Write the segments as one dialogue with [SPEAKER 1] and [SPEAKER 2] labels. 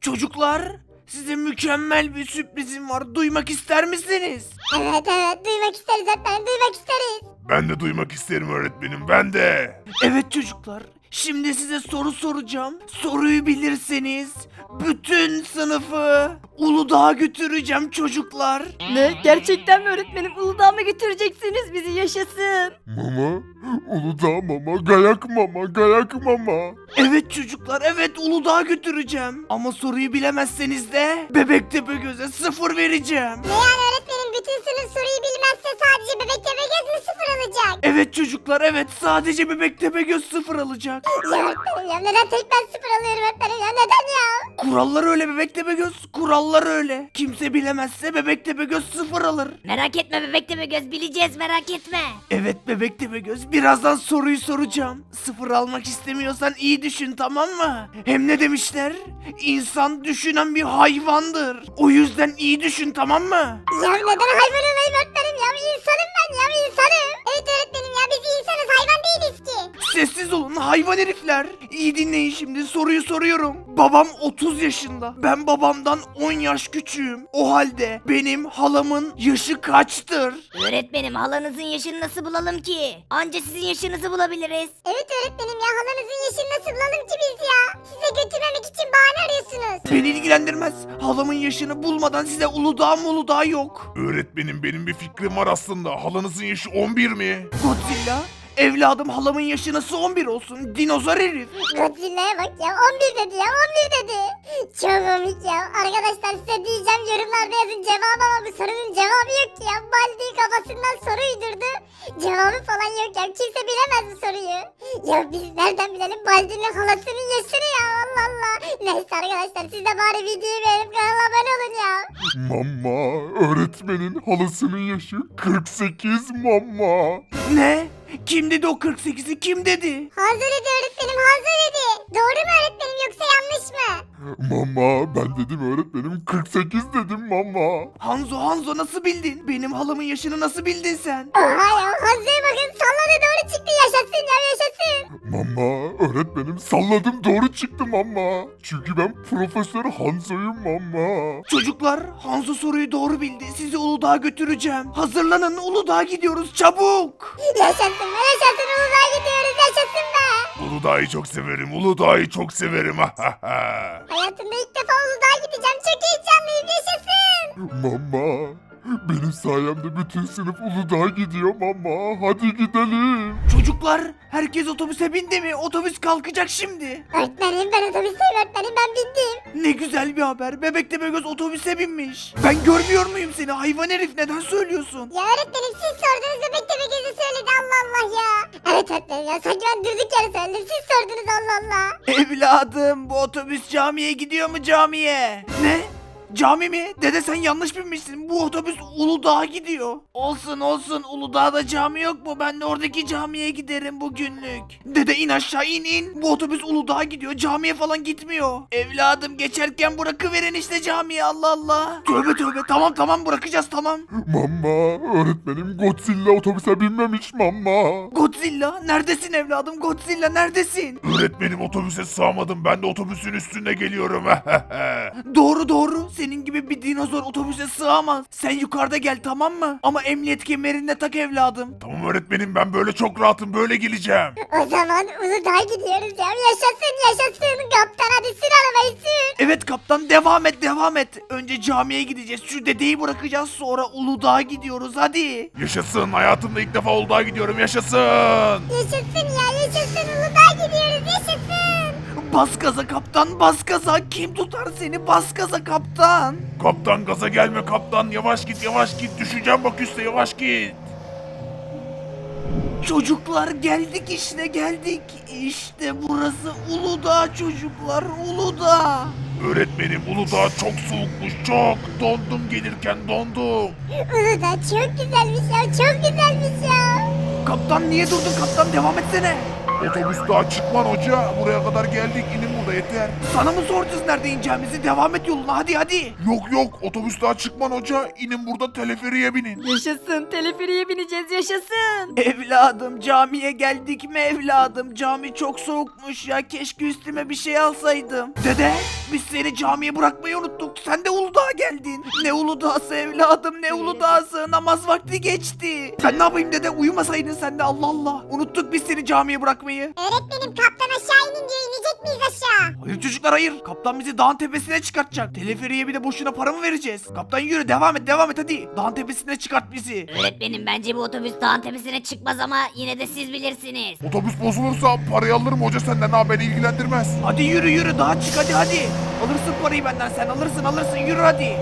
[SPEAKER 1] Çocuklar, size mükemmel bir sürprizim var. Duymak ister misiniz?
[SPEAKER 2] Evet duymak isteriz öğretmenim, duymak isteriz.
[SPEAKER 3] Ben de duymak isterim öğretmenim, ben de.
[SPEAKER 1] Evet çocuklar, şimdi size soru soracağım. Soruyu bilirseniz bütün sınıfı Uludağ'a götüreceğim çocuklar.
[SPEAKER 4] Ne? Gerçekten mi öğretmenim? Uludağ'a mı götüreceksiniz bizi? Yaşasın.
[SPEAKER 3] Mama, Uludağ mama, gayak mama, gayak mama.
[SPEAKER 1] Evet çocuklar, evet Uludağ'a götüreceğim. Ama soruyu bilemezseniz de Bebek Tepegöz'e 0 vereceğim.
[SPEAKER 2] Ne yani öğretmenim, bütün sınıf soruyu bilmezse sadece bebek Tepegöz mü 0 alacak?
[SPEAKER 1] Evet çocuklar, evet sadece Bebek Tepegöz 0 alacak.
[SPEAKER 2] Ya öğretmenim ya, neden tek ben 0 alıyorum öğretmenim ya, neden ya?
[SPEAKER 1] Kurallar öyle Bebek Tepegöz, kurallar öyle. Kimse bilemezse Bebek Tepegöz 0 alır.
[SPEAKER 4] Merak etme bebek Tepegöz, bileceğiz, merak etme.
[SPEAKER 1] Evet Bebek Tepegöz, birazdan soruyu soracağım. 0 almak istemiyorsan iyi düşün, tamam mı? Hem ne demişler? İnsan düşünen bir hayvandır. O yüzden iyi düşün, tamam mı?
[SPEAKER 2] Ya neden hayvan olayım öğretmenim ya, insanım ben ya, insanım. Evet öğretmenim ya, biz insanız, hayvan değiliz ki.
[SPEAKER 1] Sessiz olun hayvan herifler. İyi dinleyin, şimdi soruyu soruyorum. Babam 30 yaşında. Ben babamdan 10 yaş küçüğüm. O halde benim halamın yaşı kaçtır?
[SPEAKER 4] Öğretmenim, halanızın yaşını nasıl bulalım ki? Anca sizin yaşınızı bulabiliriz.
[SPEAKER 2] Evet öğretmenim ya, halanızın yaşını nasıl bulalım ki biz ya? Size götürmemek için bahane arıyorsunuz.
[SPEAKER 1] Beni ilgilendirmez. Halamın yaşını bulmadan size Uludağ Uludağ yok.
[SPEAKER 3] Öğretmenim, benim bir fikrim var aslında. Halanızın yaşı 11 mi?
[SPEAKER 1] Godzilla, evladım halamın yaşı nasıl 11 olsun? Dinozor herif.
[SPEAKER 2] Godzilla'ya bak ya, 11 dedi ya, 11 dedi. Çok komik ya. Arkadaşlar size diyeceğim, yorumlarda yazın cevabı, ama bu sorunun cevabı yok ki ya. Baldi kafasından soru uydurdu. Cevabı falan yok ya. Kimse bilemez bu soruyu. Ya biz nereden bilelim Baldi'nin halasının yaşını ya, Allah Allah. Neyse arkadaşlar, siz de bari videoyu beğenip kanala abone olun ya.
[SPEAKER 3] Mama, öğretmenin halasının yaşı 48 mama.
[SPEAKER 1] Ne? Kim dedi o 48'i, kim dedi?
[SPEAKER 2] Hazır dedi öğretmenim, hazır dedi. Doğru mu öğretmenim, yoksa yanlış mı?
[SPEAKER 3] Mama, ben dedim öğretmenim, 48 dedim mama.
[SPEAKER 1] Hanzo nasıl bildin? Benim halamın yaşını nasıl bildin sen?
[SPEAKER 2] Oha ya, Hazır'a bakın, salladı, doğru çıktı, yaşasın ya, yaşasın.
[SPEAKER 3] Mama, öğretmenim salladım, doğru çıktı mama. Çünkü ben Profesör Hanzo'yum mama.
[SPEAKER 1] Çocuklar, Hanzo soruyu doğru bildi. Sizi Uludağ'a götüreceğim. Hazırlanın, Uludağ'a gidiyoruz çabuk.
[SPEAKER 2] Yaşasın be, yaşasın, Uludağ'a gidiyoruz, yaşasın be.
[SPEAKER 3] Uludağ'ı çok severim, Uludağ'ı çok severim.
[SPEAKER 2] Hayatımda ilk defa Uludağ'a gideceğim, çok heyecanlıyım, yaşasın.
[SPEAKER 3] Mama, benim sayemde bütün sınıf Uludağ'a gidiyor mama. Hadi gidelim.
[SPEAKER 1] Çocuklar, herkes otobüse bindi mi? Otobüs kalkacak şimdi.
[SPEAKER 2] Öğretmenim, ben otobüsteyim öğretmenim, ben bindim.
[SPEAKER 1] Ne güzel bir haber. Bebek Tepegöz otobüse binmiş. Ben görmüyor muyum seni? Hayvan herif, neden söylüyorsun?
[SPEAKER 2] Ya öğretmenim, siz sordunuz, bebek Tepegöz'ü söyledi, Allah Allah ya. Evet öğretmenim ya, sanki ben durduk yere söyledim, siz sordunuz, Allah Allah.
[SPEAKER 1] Evladım, bu otobüs camiye gidiyor mu, camiye? Ne? Cami mi? Dede sen yanlış binmişsin. Bu otobüs Uludağ'a gidiyor. Olsun Uludağ'da cami yok mu? Ben de oradaki camiye giderim bugünlük. Dede in aşağı, in. Bu otobüs Uludağ'a gidiyor. Camiye falan gitmiyor. Evladım geçerken bırakıverin işte camiye, Allah Allah. Tövbe tamam bırakacağız, tamam.
[SPEAKER 3] Mama, öğretmenim Godzilla otobüse binmemiş mama.
[SPEAKER 1] Godzilla neredesin evladım? Godzilla neredesin?
[SPEAKER 3] Öğretmenim, otobüse sığamadım, ben de otobüsün üstünde geliyorum.
[SPEAKER 1] Doğru. Senin gibi bir dinozor otobüse sığamaz. Sen yukarıda gel, tamam mı? Ama emniyet kemerini de tak evladım.
[SPEAKER 3] Tamam öğretmenim, ben böyle çok rahatım, böyle geleceğim.
[SPEAKER 2] O zaman Uludağ'a gidiyoruz ya, yaşasın. Kaptan hadi sür arabayı, sür.
[SPEAKER 1] Evet kaptan, devam et. Önce camiye gideceğiz. Şu dedeyi bırakacağız, sonra Uludağ'a gidiyoruz, hadi.
[SPEAKER 3] Yaşasın, hayatımda ilk defa Uludağ'a gidiyorum, yaşasın.
[SPEAKER 2] Yaşasın ya, yaşasın, Uludağ'a gidiyoruz, yaşasın.
[SPEAKER 1] Bas gaza kaptan, bas gaza. Kim tutar seni? Bas gaza kaptan.
[SPEAKER 3] Kaptan, gaza gelme kaptan, yavaş git, düşeceğim bak üstte, yavaş git.
[SPEAKER 1] Çocuklar geldik işte, geldik. İşte burası Uludağ çocuklar, Uludağ.
[SPEAKER 3] Öğretmenim, Uludağ çok soğukmuş, çok. Dondum gelirken, dondum.
[SPEAKER 2] Uludağ çok güzelmiş ya, çok güzelmiş ya.
[SPEAKER 1] Kaptan niye durdun kaptan, devam etsene.
[SPEAKER 3] Otobüs daha çıkman hoca. Buraya kadar geldik. İnin burada yeter.
[SPEAKER 1] Sana mı soracağız nerede ineceğimizi? Devam et yoluna hadi.
[SPEAKER 3] Yok otobüs daha çıkman hoca. İnin burada teleferiye binin.
[SPEAKER 4] Yaşasın, teleferiye bineceğiz, yaşasın.
[SPEAKER 1] Evladım camiye geldik mi evladım? Cami çok soğukmuş ya. Keşke üstüme bir şey alsaydım. Dede biz seni camiye bırakmayı unuttuk. Sen de Uludağ'a geldin. Ne Uludağ'sı evladım ne Uludağ'sı. Namaz vakti geçti. Ben ne yapayım dede uyumasaydın sen de Allah Allah. Unuttuk biz seni camiye bırakmayı.
[SPEAKER 2] Öğretmenim kaptan aşağı inin diyor, inecek miyiz aşağı?
[SPEAKER 1] Hayır çocuklar hayır. Kaptan bizi dağın tepesine çıkartacak. Teleferiye bir de boşuna para mı vereceğiz? Kaptan yürü devam et hadi. Dağın tepesine çıkart bizi.
[SPEAKER 4] Öğretmenim bence bu otobüs dağın tepesine çıkmaz ama yine de siz bilirsiniz.
[SPEAKER 3] Otobüs bozulursa parayı alırım hoca senden ha, beni ilgilendirmez.
[SPEAKER 1] Hadi yürü daha çık hadi. Alırsın parayı benden sen alırsın yürü hadi.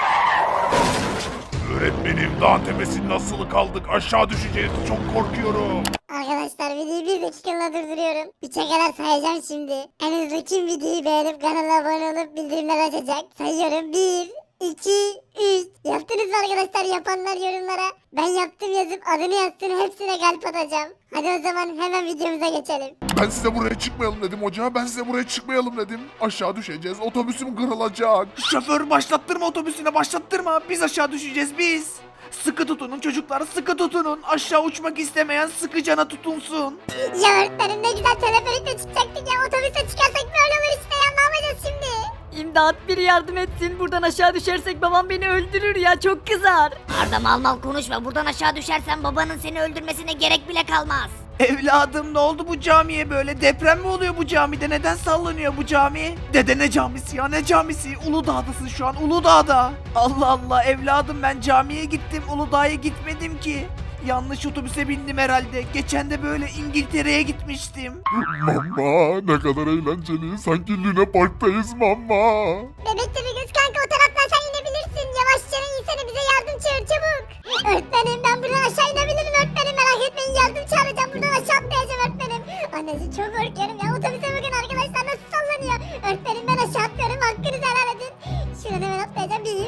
[SPEAKER 3] Öğretmenim dağın tepesinin nasıl kaldık? Aşağı düşeceğiz. Çok korkuyorum.
[SPEAKER 2] Arkadaşlar videoyu bir dakikalığına durduruyorum. 3'e kadar sayacağım şimdi. En hızlı kim videoyu beğenip kanala abone olup bildirimler açacak? Sayıyorum 1, 2, 3. Yaptınız mı arkadaşlar? Yapanlar yorumlara ben yaptım yazıp adını yazsın, hepsine kalp atacağım. Hadi o zaman hemen videomuza geçelim.
[SPEAKER 3] Ben size buraya çıkmayalım dedim hoca. Ben size buraya çıkmayalım dedim. Aşağı düşeceğiz. Otobüsüm kırılacak.
[SPEAKER 1] Şoför başlattırma otobüsüne başlattırma. Biz aşağı düşeceğiz biz. Sıkı tutunun çocuklar sıkı tutunun. Aşağı uçmak istemeyen sıkı cana tutunsun.
[SPEAKER 2] Ya öğretmenim ne güzel teleferikle çıkacaktık ya, otobüse çıkarsak böyle olur işte ya, ne yapacağız şimdi?
[SPEAKER 5] İmdat, biri yardım etsin. Buradan aşağı düşersek babam beni öldürür ya, çok kızar.
[SPEAKER 4] Arda mal konuşma, buradan aşağı düşersen babanın seni öldürmesine gerek bile kalmaz.
[SPEAKER 1] Evladım ne oldu bu camiye böyle? Deprem mi oluyor bu camide? Neden sallanıyor bu cami? Dede ne camisi ya ne camisi? Uludağ'dasın şu an Uludağ'da. Allah Allah evladım ben camiye gittim Uludağ'a gitmedim ki. Yanlış otobüse bindim herhalde. Geçen de böyle İngiltere'ye gitmiştim.
[SPEAKER 3] Mama ne kadar eğlenceli. Sanki Luna Park'tayız mama.
[SPEAKER 2] Bebekte bir göz kanka, o taraftan sen inebilirsin. Yavaşça insene, bize yardım çağır çabuk. Öğretmenim ben buradan aşağı inebilirim öğretmenim, merak etmeyin, yardım çağıracağım, buradan aşağı atlayacağım öğretmenim. Anneciğim çok korkuyorum ya, otobüse bakın arkadaşlar nasıl sallanıyor. Öğretmenim ben aşağı atlıyorum, hakkınızı helal edin. Şuradan hemen atlayacağım, 1,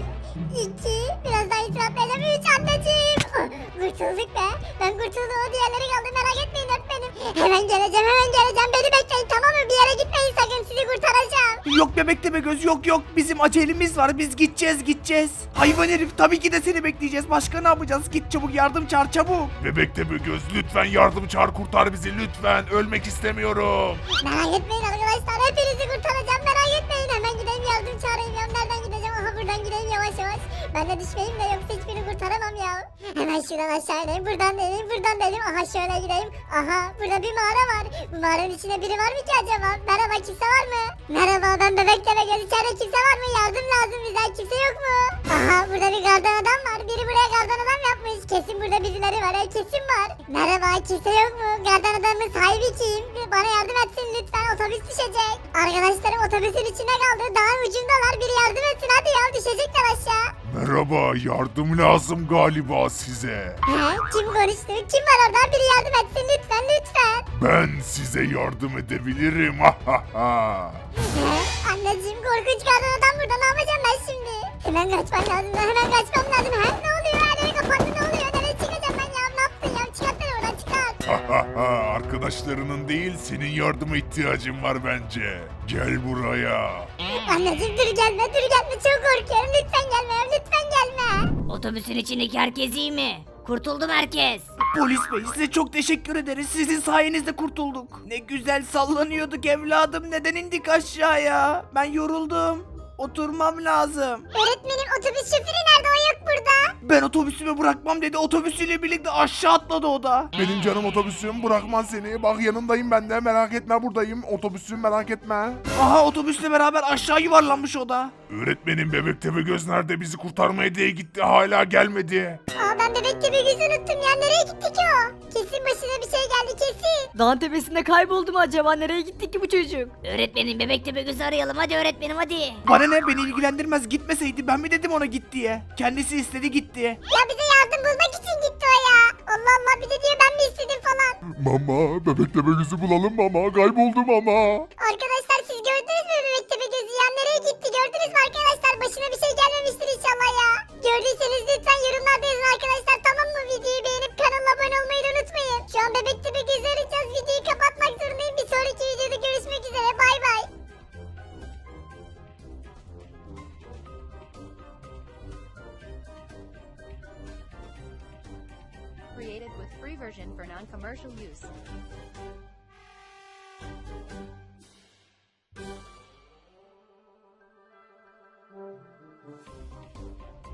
[SPEAKER 2] 2, biraz daha iyice atlayacağım, 3 anneciğim. Kurtulduk be, ben kurtuldum, o diğerleri kaldı, merak etmeyin öğretmenim. Hemen geleceğim, beni bekleyin tamam mı, bir yere gitmeyin sakın, sizi kurtaracağım.
[SPEAKER 1] Yok bebek deme göz yok bizim acelemiz var biz gideceğiz. Hayvan herif tabii ki de seni bekleyeceğiz başka ne yapacağız git çabuk yardım çağır çabuk.
[SPEAKER 3] Bebekte bir göz lütfen yardım çağır kurtar bizi lütfen. Ölmek istemiyorum.
[SPEAKER 2] Merak etmeyin arkadaşlar, hepinizi kurtaracağım, merak etmeyin. Hemen gideyim yardım çağırayım ya, nereden gideceğim, aha buradan gideyim yavaş. Ben de düşmeyeyim de yoksa hiçbirini kurtaramam ya. Hemen şuradan aşağı ineyim, buradan deneyim, aha şöyle gideyim. Aha burada bir mağara var, bu mağaranın içinde biri var mı ki acaba? Merhaba, kimse var mı? Merhaba, ben bebek deme göz, içeride kimse var mı? Yardım lazım bize, kimse yok mu? Aha burada bir gardan adam var, biri buraya gardan adam yapmış. Kesin burada birileri var, kesin var. Merhaba, kimse yok mu? Gardan adamın sahibi kim? Bana yardım etsin lütfen, otobüs düşecek. Arkadaşlarım otobüsün içine kaldı, dağın ucundalar, biri yardım etsin hadi ya, düşecekler aşağı.
[SPEAKER 3] Merhaba yardım lazım galiba size.
[SPEAKER 2] He, kim konuştu? Kim var orada? Biri yardım etsin lütfen.
[SPEAKER 3] Ben size yardım edebilirim.
[SPEAKER 2] He, anneciğim korkunç gardan adam burada, ne yapacağım ben şimdi? Hemen kaçmam lazım. He, ne oluyor? Her yeri kapandı, ne oluyor? Nereye çıkacağım ben ya? Ne yaptın ya? Çıkart beni oradan, çıkart.
[SPEAKER 3] Arkadaşlarının değil senin yardıma ihtiyacın var bence. Gel buraya.
[SPEAKER 2] Anneciğim dur gelme. Çok korkuyorum. Lütfen gelme.
[SPEAKER 4] Otobüsün içindeki herkes iyi mi? Kurtuldu mu herkes?
[SPEAKER 1] Polis bey size çok teşekkür ederiz sizin sayenizde kurtulduk. Ne güzel sallanıyorduk evladım neden indik aşağıya? Ben yoruldum. Oturmam lazım.
[SPEAKER 2] Öğretmenim otobüs şoförü nerede? O yok burada.
[SPEAKER 1] Ben otobüsümü bırakmam dedi otobüsüyle birlikte aşağı atladı o da.
[SPEAKER 3] Benim canım otobüsüm bırakmaz seni. Bak yanındayım ben de merak etme buradayım. Otobüsüm merak etme.
[SPEAKER 1] Aha otobüsle beraber aşağı yuvarlanmış o da.
[SPEAKER 3] Öğretmenim bebek Tepegöz nerede bizi kurtarmaya diye gitti hala gelmedi.
[SPEAKER 2] Ben bebekte bir gözü unuttum ya. Nereye gitti ki o? Kesin başına bir şey geldi kesin.
[SPEAKER 5] Dağın tepesinde kayboldu mu acaba? Nereye gitti ki bu çocuk?
[SPEAKER 4] Öğretmenim bebekte bir gözü arayalım hadi öğretmenim hadi.
[SPEAKER 1] Bana ne beni ilgilendirmez gitmeseydi ben mi dedim ona git diye. Kendisi istedi gitti.
[SPEAKER 2] Ya bize yardım bulmak için gitti o ya. Allah Allah, bir de diyor ben mi istedim falan.
[SPEAKER 3] Mama bebek Tepegöz'ü bulalım mama kayboldum ama.
[SPEAKER 2] Arkadaşlar siz gördünüz mü bebekte bir gözü ya? Nereye gitti gördünüz mü arkadaşlar? Başına bir şey gelmemiştir inşallah ya. Gördüyseniz lütfen yorumlarda yazın arkadaşlar, tamam mı? Videoyu beğenip kanala abone olmayı da unutmayın. Şu an bebekte bir gözü arayacağız, videoyu kapatmak zorundayız.
[SPEAKER 6] created with free version for non-commercial use.